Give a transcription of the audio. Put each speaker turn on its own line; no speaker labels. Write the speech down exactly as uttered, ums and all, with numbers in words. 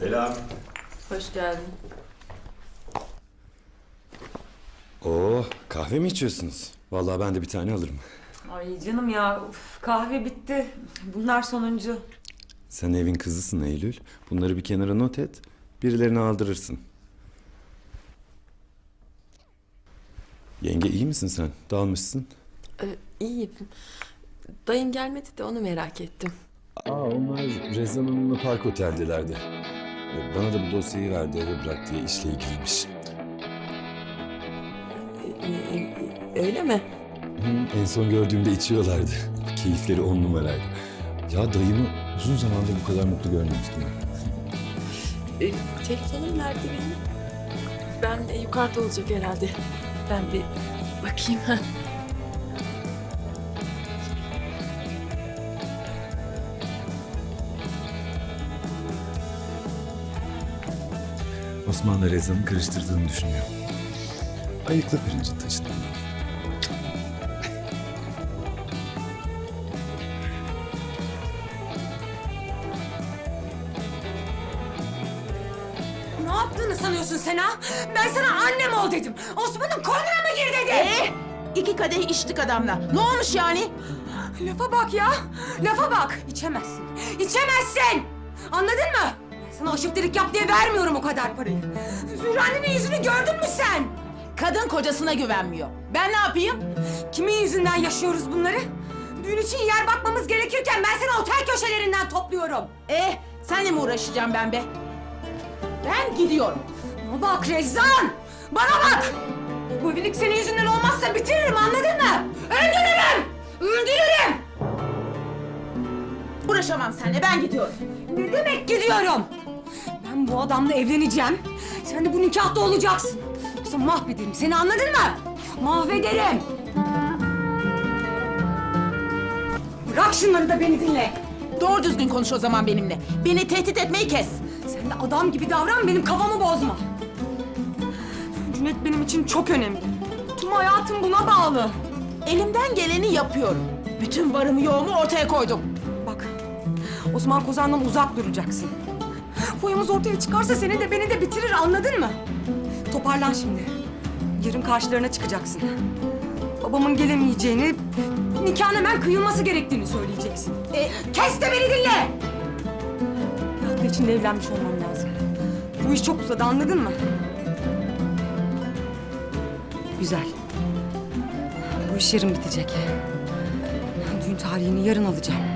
Selam.
Hoş geldin.
Oo, kahve mi içiyorsunuz? Vallahi ben de bir tane alırım.
Ay canım ya, uf, kahve bitti. Bunlar sonuncu.
Sen evin kızısın Eylül. Bunları bir kenara not et. Birilerine aldırırsın. Yenge iyi misin sen? Dalmışsın.
Ee, iyiyim. Dayın gelmedi de onu merak ettim.
Aa, onlar Rezan Hanım'la Park Otel'delerdi. Ee, Bana da bu dosyayı verdi, eve bırak diye, işle ilgiliymiş.
Ee, e, öyle mi?
Hı, en son gördüğümde içiyorlardı. Keyifleri on numaraydı. Ya dayımı uzun zamandır bu kadar mutlu görmemiştim ben.
Ee, telefonum nerede benim? Ben de yukarıda olacak herhalde. Ben bir bakayım.
Osman'la Rezan'ı karıştırdığını düşünüyor. Ayıkla pirinci taşıdı.
Ne yaptığını sanıyorsun sen ha? Ben sana annem ol dedim. Osman'ın koynuna mı gir dedim?
Ee, iki kadeh içtik adamla. Ne olmuş yani?
Lafa bak ya. Lafa bak. İçemezsin. İçemezsin. Anladın mı? Ben sana aşıklık yap diye vermiyorum o kadar parayı. Zühre'nin yüzünü gördün mü sen?
Kadın kocasına güvenmiyor. Ben ne yapayım?
Kimin yüzünden yaşıyoruz bunları? Düğün için yer bakmamız gerekirken ben seni otel köşelerinden topluyorum.
Ee, senle mi uğraşacağım ben be? Ben gidiyorum.
Bana bak Rezan! Bana bak! Bu evlilik senin yüzünden olmazsa bitiririm, anladın mı? Öldürürüm! Öldürürüm!
Uğraşamam seninle, ben gidiyorum.
Ne demek gidiyorum? Ben bu adamla evleneceğim. Sen de bu nikahta olacaksın. Yoksa mahvederim seni, anladın mı? Mahvederim! Bırak şunları da beni dinle.
Doğru düzgün konuş o zaman benimle. Beni tehdit etmeyi kes.
Sen de adam gibi davran, benim kafamı bozma. Cüneyt benim için çok önemli. Tüm hayatım buna bağlı.
Elimden geleni yapıyorum. Bütün varımı yoğumu ortaya koydum.
Bak, Osman Kozan'dan uzak duracaksın. Foyamız ortaya çıkarsa seni de beni de bitirir, anladın mı? Toparlan şimdi. Yarın karşılarına çıkacaksın. Babamın gelemeyeceğini, nikahın hemen kıyılması gerektiğini söyleyeceksin.
E,
Kes de beni dinle! Bir hafta içinde evlenmiş olmam lazım. Bu iş çok uzadı, anladın mı? Güzel. Bu iş yarın bitecek. Düğün tarihini yarın alacağım.